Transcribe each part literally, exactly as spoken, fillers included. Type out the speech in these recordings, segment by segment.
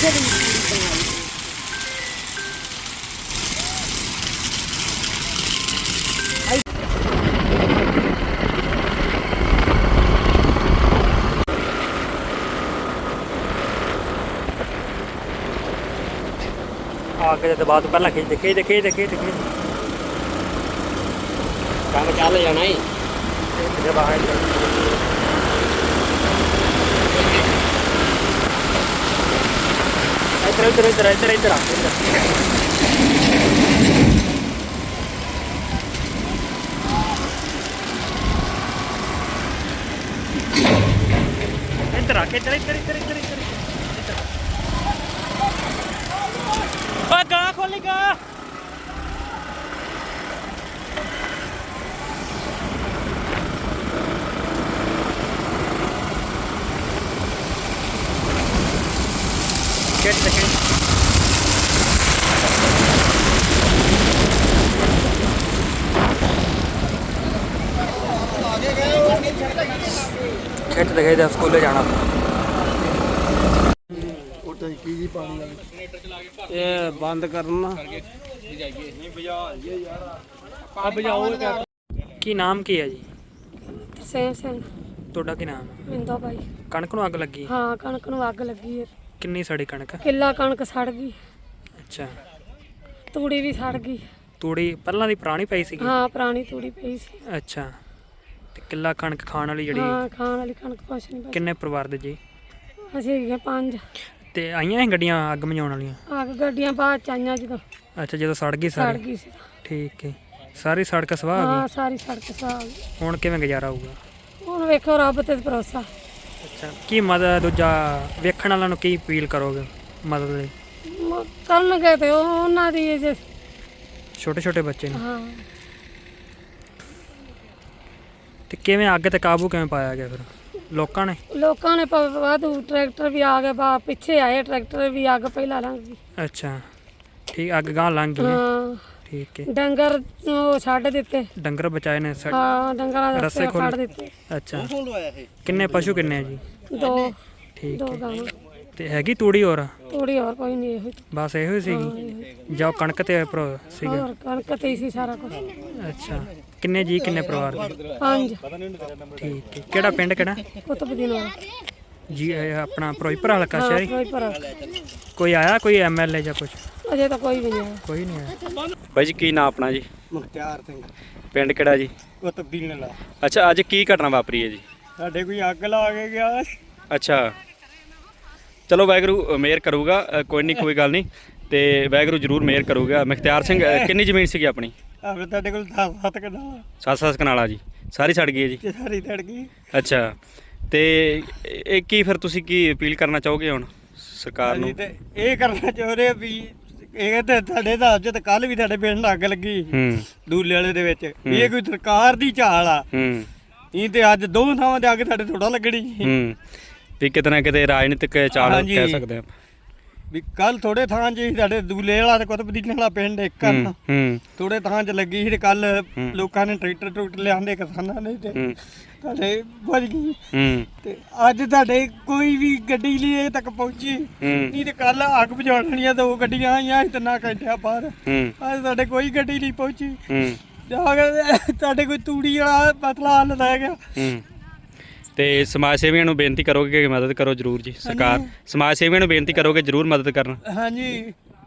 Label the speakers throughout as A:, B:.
A: आगे दबा तो पहला खींच दे खींच दे खींच दे खींच दे
B: काम चाल जाना ही
A: बाहर इधर इधर इधर इधर इधर इधर आके इधर इधर इधर इधर इधर गां खोली गां Get the hit. खेत दिखाई दे स्कूल जाना
B: ये बंद करना
A: की नाम की है जी
C: सेम सेम
A: ਤੁਹਾਡਾ ਕੀ ਨਾਮ
C: ਮਿੰਦਾ ਭਾਈ
A: ਕਣਕ ਨੂੰ ਅੱਗ ਲੱਗੀ
C: ਹਾਂ ਕਣਕ ਨੂੰ ਅੱਗ ਲੱਗੀ ਹੈ
A: ਕਿੰਨੀ ਸੜੀ ਕਣਕ
C: ਕਿੱਲਾ ਕਣਕ ਸੜ ਗਈ
A: ਅੱਛਾ
C: ਤੂੜੀ ਵੀ ਸੜ ਗਈ
A: ਤੂੜੀ ਪਹਿਲਾਂ ਦੀ ਪੁਰਾਣੀ ਪਈ ਸੀਗੀ
C: ਹਾਂ ਪੁਰਾਣੀ ਤੂੜੀ ਪਈ ਸੀ
A: ਅੱਛਾ ਤੇ ਕਿੱਲਾ ਕਣਕ ਖਾਣ ਵਾਲੀ ਜਿਹੜੀ
C: ਹਾਂ ਖਾਣ ਵਾਲੀ ਕਣਕ ਕੁਛ ਨਹੀਂ ਬਚੀ
A: ਕਿੰਨੇ ਪਰਿਵਾਰ ਦੇ ਜੀ
C: ਅਸੀਂ ਹੈਗੇ ਪੰਜ
A: ਤੇ ਆਈਆਂ ਇਹ ਗੱਡੀਆਂ ਅੱਗ ਮਝਾਉਣ ਵਾਲੀਆਂ
C: ਅੱਗ ਗੱਡੀਆਂ ਬਾਅਦ ਚ ਆਈਆਂ ਜਦੋਂ
A: ਅੱਛਾ ਜਦੋਂ ਸੜ ਗਈ
C: ਸੜ
A: ਸਾਰੀ
C: ਗਈ ਸੀ
A: ਠੀਕ ਹੈ ਸਾਰੀ ਸੜਕ ਸਵਾਹ ਆ
C: ਹਾਂ
A: ਗਈ
C: ਸਾਰੀ ਸੜਕ ਸਵਾਹ ਗਈ
A: ਹੁਣ ਕਿਵੇਂ ਗੁਜ਼ਾਰਾ ਹੋਊਗਾ
C: ਹੁਣ ਵੇਖੋ ਰੱਬ ਤੇ ਭਰੋਸਾ
A: ਅੱਛਾ ਕੀ ਮਦਦ ਦੂਜਾ ਵੇਖਣ ਵਾਲਿਆਂ ਨੂੰ ਕੀ ਅਪੀਲ ਕਰੋਗੇ ਮਦਦ ਲਈ
C: ਮ- ਕਰਨਗੇ ਤੇ ਉਹ- ਉਹਨਾਂ ਦੀ ਜੇ
A: ਛੋਟੇ ਛੋਟੇ ਬੱਚੇ ਨੇ
C: ਹਾਂ
A: ਤੇ ਕਿਵੇਂ ਅੱਗ ਤੇ ਕਾਬੂ ਕਿਵੇਂ ਪਾਇਆ ਗਿਆ ਫਿਰ ਲੋਕਾਂ ਨੇ
C: ਲੋਕਾਂ ਨੇ ਪ- ਵਾਧੂ ਟਰੈਕਟਰ ਵੀ ਆ ਗਏ ਬਾ ਪਿੱਛੇ ਆਏ ਟਰੈਕਟਰ ਵੀ ਅੱਗ ਪਹਿਲਾਂ ਲੰਘ ਗਈ
A: ਅੱਛਾ ਠੀਕ ਅੱਗ ਗਾਂ ਲੰਘ ਗਈ ਹੈ।
C: ਹਾਂ
A: ਠੀਕ ਹੈ
C: ਡੰਗਰ ਉਹ ਛੱਡ ਦਿੱਤੇ
A: ਡੰਗਰ ਬਚਾਏ ਨੇ ਸਾ-
C: ਹਾਂ ਡੰਗਰਾਂ ਦੇ
A: ਰਸੇ
C: ਰਸਤੇ
A: ਖੋਲ੍ਹੇ।
C: ਫੜ ਦਿੱਤੇ
A: ਅੱਛਾ ਕਿੰਨੇ ਪਸ਼ੂ ਕਿੰਨੇ ਆ ਜੀ
C: ਦੋ
A: ਠੀਕ
C: ਦੋ
A: ਹੈ
C: ਗਾਵਾਂ
A: ਤੇ ਹੈਗੀ ਤੂੜੀ ਹੋਰ
C: ਥੋੜੀ ਹੋਰ ਕੋਈ ਨਹੀਂ ਇਹੋ ਹੀ
A: ਬਸ ਇਹੋ ਹੀ ਸੀਗੀ ਜਾਂ ਕਣਕ ਤੇ ਉੱਪਰ ਸੀਗਾ
C: ਹੋਰ ਕਣਕ ਤੇ ਹੀ ਸੀ ਸਾਰਾ ਕੁਝ
A: ਅੱਛਾ ਕਿੰਨੇ ਜੀ ਕਿੰਨੇ ਪਰਿਵਾਰ ਦੇ?
C: ਪੰਜ
A: ਠੀਕ ਹੈ ਕਿਹੜਾ ਪਿੰਡ ਕਿਹੜਾ
C: ਕੁਤਬ ਦੀ ਨਾਲ
A: ਜੀ ਇਹ ਆਪਣਾ ਫਿਰੋਜ਼ਪੁਰ ਹਲਕਾ
C: ਹਾਂ
A: ਸ਼ਹਿਰੀ
C: ਕੋਈ ਪਰ
A: ਕੋਈ ਆਇਆ ਕੋਈ ਐਮਐਲਏ ਜਾਂ ਕੁਝ
C: ਅਜੇ ਤਾਂ ਕੋਈ ਵੀ ਨਹੀਂ ਆਇਆ
A: ਕੋਈ ਨਹੀਂ ਆਇਆ ਬਾਈ ਜੀ ਕੀ ਨਾਂ ਆਪਣਾ ਜੀ
B: ਮੁਖਤਿਆਰ ਸਿੰਘ
A: ਪਿੰਡ ਕਿਹੜਾ ਜੀ
B: ਉਹ ਤਬਦੀਲ ਨਾਲ
A: ਅੱਛਾ ਅੱਜ ਕੀ ਘਟਨਾ ਵਾਪਰੀ ਹੈ ਜੀ
B: ਸਾਡੇ ਕੋਈ ਅੱਗ ਲਾ ਕੇ ਗਿਆ
A: ਅੱਛਾ ਚਲੋ ਵਾਹਿਗੁਰੂ ਮਿਹਰ ਕਰੂਗਾ ਅ, ਕੋਈ ਨਹੀਂ ਕੋਈ ਗੱਲ ਨਹੀਂ ਤੇ ਵਾਹਿਗੁਰੂ ਜ਼ਰੂਰ ਮਿਹਰ ਕਰੂਗਾ ਮੁਖਤਿਆਰ ਸਿੰਘ ਅ, ਕਿੰਨੀ ਜ਼ਮੀਨ ਸੀਗੀ ਆਪਣੀ
B: ਆਪਣੇ ਤੁਹਾਡੇ ਕੋਲ ਦਸ ਸੱਤ ਕਨਾ
A: ਸੱਤ ਸੱਤ ਕਨਾਲਾ ਜੀ ਸਾਰੀ ਛੱਡ ਗਈ ਹੈ ਜੀ
B: ਤੇ ਸਾਰੀ ਤੜ ਗਈ
A: ਅੱਛਾ ਤੇ ਇਹ ਕੀ ਫਿਰ ਤੁਸੀਂ ਕੀ ਅਪੀਲ ਕਰਨਾ ਚਾਹੋਗੇ ਹੁਣ ਸਰਕਾਰ ਨੂੰ
B: ਅਸੀਂ ਤੇ ਇਹ ਕਰਨਾ ਚਾਹੁੰਦੇ ਆ ਵੀ ਇਹ ਤੇ ਤੁਹਾਡੇ ਦਾ ਅੱਜ ਤੇ ਕੱਲ ਵੀ ਤੁਹਾਡੇ ਪਿੰਡ ਅੱਗ ਲੱਗੀ
A: ਹੂੰ
B: ਦੂਲੇ ਵਾਲੇ ਦੇ ਵਿੱਚ ਵੀ ਇਹ ਕੋਈ ਸਰਕਾਰ ਦੀ ਚਾਲ ਆ
A: ਹੂੰ
B: ਇਹ ਤੇ ਅੱਜ ਦੋ ਥਾਵਾਂ ਤੇ ਅੱਗ ਤੁਹਾਡੇ ਥੋੜਾ ਲੱਗਣੀ
A: ਹੂੰ ਵੀ ਕਿਤੇ ਨਾ ਕਿਤੇ ਰਾਜਨੀਤਿਕ ਚਾਲ
B: ਹਾਂਜੀ।
A: ਕਹਿ ਸਕਦੇ ਆਪਾਂ
B: ਵੀ ਕੱਲ ਥੋੜੇ ਥਾਂ 'ਚ ਸੀ ਸਾਡੇ ਦੂਲੇ ਵਾਲਾ ਤੇ ਕੁਤਬ ਦੀ ਵਾਲਾ ਪਿੰਡ ਇੱਕ
A: ਹੂੰ
B: ਆ
A: ਹੂੰ
B: ਥੋੜੇ ਥਾਂ 'ਚ ਲੱਗੀ ਸੀ ਤੇ ਕੱਲ
A: ਹੂੰ।
B: ਲੋਕਾਂ ਨੇ ਟਰੈਕਟਰ ਟਰੂਕਟਰ ਲਿਆਂਦੇ ਕਿਸਾਨਾਂ ਨੇ ਤੇ
A: ਹੂੰ
B: ਤੁਹਾਡੇ ਵੱਜ ਗਈ
A: ਹੂੰ
B: ਤੇ ਅੱਜ ਤੁਹਾਡੇ ਕੋਈ ਵੀ ਗੱਡੀ ਲਈ ਇਹ ਤੱਕ ਪਹੁੰਚੀ
A: ਹੂੰ
B: ਨਹੀਂ ਤੇ ਕੱਲ ਅੱਗ ਬੁਝਾਉਣ ਵਾਲੀਆਂ ਦੋ ਗੱਡੀਆਂ ਆਈਆਂ ਸੀ ਤਿੰਨਾਂ ਘੰਟਿਆਂ ਬਾਅਦ
A: ਹੂੰ
B: ਅੱਜ ਤੁਹਾਡੇ ਕੋਈ ਗੱਡੀ ਨਹੀਂ ਪਹੁੰਚੀ
A: ਹੂੰ
B: ਜਾ ਕੇ ਤੁਹਾਡੇ ਕੋਈ ਤੂੜੀ ਵਾਲਾ ਪਤਲਾ ਹੱਲ ਰਹਿ ਗਿਆ
A: ਹੂੰ ਤੇ ਸਮਾਜ ਸੇਵੀਆਂ ਨੂੰ ਬੇਨਤੀ ਕਰੋਗੇ ਕਿ ਮਦਦ ਕਰੋ ਜਰੂਰ ਜੀ ਸਰਕਾਰ ਸਮਾਜ ਸੇਵੀਆਂ ਨੂੰ ਬੇਨਤੀ ਕਰੋਗੇ ਜਰੂਰ ਮਦਦ ਕਰਨ
B: ਹਾਂਜੀ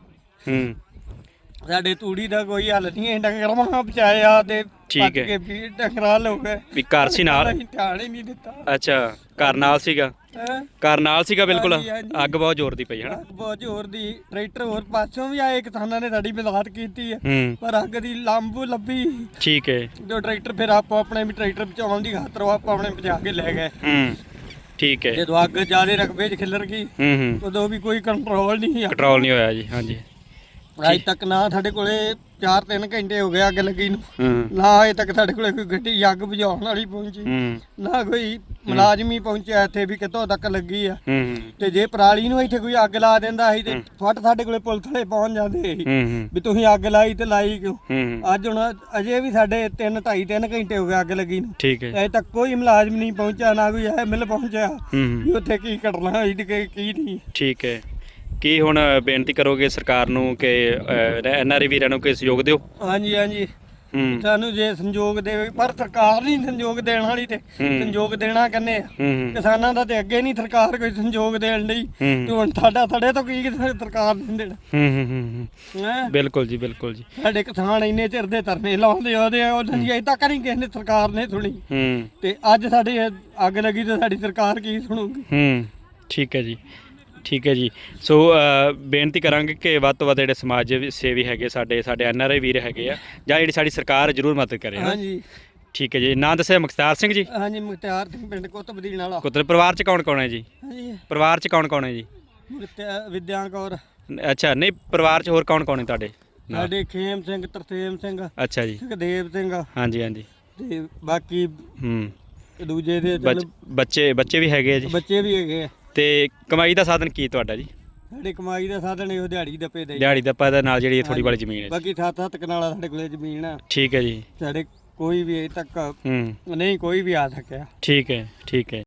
A: ਹੂੰ
B: ਸਾਡੇ ਤੂੜੀ ਦਾ ਕੋਈ ਹੱਲ ਨਹੀਂ ਹੈ ਡੰਗਰਾਂ ਮਾਂ ਬਚਾਇਆ ਤੇ
A: ਠੀਕ
B: ਭੱਜ
A: ਹੈ।
B: ਕੇ ਵੀ ਡੰਗਰਾਂ ਹੋ ਗਏ
A: ਵੀ ਘਰ ਸੀ ਨਾਲ
B: ਅਸੀਂ ਧਿਆਨ ਹੀ ਨਹੀਂ ਦਿੱਤਾ
A: ਅੱਛਾ ਘਰ ਨਾਲ ਸੀਗਾ
B: ਹੈਂ?
A: ਘਰ ਨਾਲ ਸੀਗਾ ਬਿਲਕੁਲ
B: ਹਾਂਜੀ, ਹਾਂਜੀ।
A: ਅੱਗ ਬਹੁਤ ਜ਼ੋਰ ਦੀ ਪਈ ਹੈ ਨਾ
B: ਅੱਗ ਬਹੁਤ ਜ਼ੋਰ ਦੀ ਟਰੈਕਟਰ ਹੋਰ ਪਾਸੋਂ ਵੀ ਆਏ ਕਿਸਾਨਾਂ ਨੇ ਸਾਡੀ ਮਦਦ ਕੀਤੀ ਹੈ
A: ਹੂੰ
B: ਪਰ ਅੱਗ ਦੀ ਲੰਬ ਲੱਭੀ
A: ਠੀਕ ਹੈ
B: ਜੋ ਟਰੈਕਟਰ ਫਿਰ ਆਪੋ ਆਪਣੇ ਵੀ ਟਰੈਕਟਰ ਬਚਾਉਣ ਦੀ ਖਾਤਰ ਉਹ ਆਪੋ ਆਪਣੇ ਬਚਾ ਕੇ ਲੈ ਗਏ
A: ਹੂੰ ਠੀਕ ਹੈ
B: ਜਦੋਂ ਅੱਗ ਜ਼ਿਆਦਾ ਰਕਬੇ 'ਚ ਖਿਲਰ ਗਈ
A: ਹੂੰ ਹੂੰ
B: ਉਦੋਂ ਵੀ ਕੋਈ ਕੰਟਰੋਲ ਨਹੀਂ ਆ
A: ਕੰਟਰੋਲ ਨਹੀਂ ਹੋਇਆ ਜੀ ਹਾਂਜੀ
B: ਅਜੇ ਤੱਕ ਨਾ ਸਾਡੇ ਕੋਲੇ ਚਾਰ ਤਿੰਨ ਘੰਟੇ ਹੋ ਗਏ ਅੱਗ ਲੱਗੀ ਨੂੰ
A: ਹੂੰ
B: ਨਾ ਅਜੇ ਤੱਕ ਸਾਡੇ ਕੋਲੇ ਕੋਈ ਗੱਡੀ ਅੱਗ ਬੁਝਾਉਣ ਵਾਲੀ ਪਹੁੰਚੀ
A: ਹੂੰ
B: ਨਾ ਕੋਈ ਮੁਲਾਜ਼ਮੀ ਪਹੁੰਚਿਆ ਇੱਥੇ ਵੀ ਕਿੱਥੋਂ ਤੱਕ ਲੱਗੀ ਆ
A: ਹੂੰ ਹੂੰ
B: ਤੇ ਜੇ ਪਰਾਲੀ ਨੂੰ ਇੱਥੇ ਕੋਈ ਅੱਗ ਲਾ ਦਿੰਦਾ ਸੀ ਤੇ ਫਟ ਸਾਡੇ ਕੋਲੇ ਪੁਲਿਸ ਵਾਲੇ ਪਹੁੰਚ ਜਾਂਦੇ ਸੀ
A: ਹੂੰ ਹੂੰ
B: ਵੀ ਤੁਸੀਂ ਅੱਗ ਲਾਈ ਤੇ ਲਾਈ ਕਿਉਂ
A: ਹੂੰ
B: ਅੱਜ ਹੁਣ ਅਜੇ ਵੀ ਸਾਡੇ ਤਿੰਨ ਢਾਈ ਤਿੰਨ ਘੰਟੇ ਹੋ ਗਏ ਅੱਗ ਲੱਗੀ ਨੂੰ
A: ਠੀਕ ਹੈ
B: ਅਜੇ ਤੱਕ ਕੋਈ ਮੁਲਾਜ਼ਮ ਨਹੀਂ ਪਹੁੰਚਿਆ ਨਾ ਕੋਈ ਐਮਐਲ ਪਹੁੰਚਿਆ
A: ਹੂੰ
B: ਵੀ
A: ਹੂੰ
B: ਉੱਥੇ ਕੀ ਘਟਨਾ ਹੋਈ ਤੇ ਕੀ ਕੀ ਨਹੀਂ
A: ਠੀਕ ਹੈ ਕੀ ਹੁਣ ਬੇਨਤੀ ਕਰੋਗੇ ਸਰਕਾਰ ਨੂੰ ਕਿ ਐਨ ਆਰ ਆਈ ਵੀਰਾਂ ਨੂੰ ਕੋਈ ਸਹਿਯੋਗ ਦਿਓ?
B: ਹਾਂਜੀ ਹਾਂਜੀ
A: ਹੂੰ
B: ਸਾਨੂੰ ਜੇ ਸੰਯੋਗ ਦੇਵੇ, ਪਰ ਸਰਕਾਰ ਨਹੀਂ ਸੰਯੋਗ ਦੇਣ ਵਾਲੀ ਤੇ
A: ਹੂੰ।
B: ਸੰਯੋਗ ਦੇਣਾ ਕਹਿੰਦੇ ਆ
A: ਹੂੰ
B: ਕਿਸਾਨਾਂ ਦਾ ਤੇ ਅੱਗੇ ਨਹੀਂ ਸਰਕਾਰ ਕੋਈ ਸੰਯੋਗ ਦੇਣ ਲਈ
A: ਹੂੰ
B: ਤੇ ਹੁਣ ਸਾਡਾ ਸਾਡੇ ਤੋਂ ਕੀ ਸਰਕਾਰ ਨਹੀਂ ਦੇਣਾ
A: ਹੂੰ ਹੂੰ ਹੂੰ
B: ਹੈਂ?
A: ਬਿਲਕੁਲ ਜੀ ਬਿਲਕੁਲ ਜੀ।
B: ਸਾਡੇ ਕਿਸਾਨ ਇੰਨੇ ਚਿਰ ਦੇ ਧਰਨੇ ਲਾਉਂਦੇ ਉਹਦੇ ਉਹਨਾਂ ਦੀ ਅਜੇ ਤੱਕ ਨਹੀਂ ਕਿਸੇ ਨੇ ਸਰਕਾਰ ਨੇ ਸੁਣੀ
A: ਹੂੰ
B: ਤੇ ਅੱਜ ਸਾਡੇ ਅੱਗ ਲੱਗੀ ਤੇ ਸਾਡੀ ਸਰਕਾਰ ਕੀ ਸੁਣੂਗੀ?
A: ਹੂੰ ਠੀਕ ਹੈ ਜੀ ਠੀਕ ਹੈ ਜੀ। ਸੋ ਅ, ਬੇਨਤੀ ਕਰਾਂਗੇ ਕਿ ਵੱਧ ਤੋਂ ਵੱਧ ਜਿਹੜੇ ਸਮਾਜ ਸੇਵੀ ਹੈਗੇ ਸਾਡੇ ਸਾਡੇ ਐਨ ਆਰ ਆਈ ਵੀਰ ਹੈਗੇ ਆ ਜਾਂ ਜਿਹੜੀ ਸਾਡੀ ਸਰਕਾਰ ਜ਼ਰੂਰ ਮਦਦ ਕਰੇ ਨਾ।
B: ਹਾਂਜੀ
A: ਠੀਕ ਹੈ ਜੀ। ਨਾਂ ਦੱਸਿਆ ਮੁਖਤਾਰ ਸਿੰਘ ਜੀ।
B: ਹਾਂਜੀ ਮੁਖਤਿਆਰ ਸਿੰਘ ਪਿੰਡ ਕੁਤਬਦੀਨ ਵਾਲਾ।
A: ਕੁੱਤਰ ਪਰਿਵਾਰ ਚ ਕੌਣ ਕੌਣ ਹੈ ਜੀ?
B: ਹਾਂਜੀ
A: ਪਰਿਵਾਰ ਚ ਕੌਣ ਕੌਣ ਹੈ ਜੀ?
B: ਮੁਖਤਿਆਰ ਵਿਦਿਆਨ ਕੌਰ,
A: ਅੱਛਾ ਨਹੀਂ ਪਰਿਵਾਰ ਚ ਹੋਰ ਕੌਣ ਕੌਣ ਹੈ ਤੁਹਾਡੇ ਨਾਲ?
B: ਸਾਡੇ ਖੇਮ ਸਿੰਘ, ਤਰਸੇਮ ਸਿੰਘ,
A: ਅੱਛਾ ਜੀ
B: ਸੁਖਦੇਵ ਸਿੰਘ
A: ਹਾਂਜੀ ਹਾਂਜੀ
B: ਤੇ ਬਾਕੀ
A: ਹੂੰ
B: ਦੂਜੇ ਦੇ
A: ਬੱਚ-
B: ਚਲੋ
A: ਬੱਚੇ ਬੱਚੇ ਵੀ ਹੈਗੇ ਆ ਜੀ।
B: ਬੱਚੇ ਵੀ ਹੈਗੇ ਆ।
A: ਤੇ ਕਮਾਈ ਦਾ ਸਾਧਨ ਕੀ ਤੁਹਾਡਾ ਜੀ?
B: ਸਾਡੇ ਕਮਾਈ ਦਾ ਸਾਧਨ ਇਹੋ ਦਿਹਾੜੀ ਦਾ ਪੇ ਦੇ
A: ਦਿਹਾੜੀ ਦਾ ਪਾ ਨਾਲ ਜਿਹੜੀ ਥੋੜੀ ਵਾਲੀ ਜ਼ਮੀਨ ਹੈ ਜੀ।
B: ਬਾਕੀ ਸੱਤ ਸੱਤ ਕਨਾਲਾ ਸਾਡੇ ਕੋਲੇ ਜ਼ਮੀਨ ਆ।
A: ਠੀਕ ਹੈ ਜੀ।
B: ਸਾਡੇ ਕੋਈ ਵੀ ਅਜੇ ਤੱਕ
A: ਹੂੰ
B: ਨਹੀਂ ਕੋਈ ਵੀ ਆ ਸਕਿਆ।
A: ਠੀਕ ਹੈ ਠੀਕ ਹੈ।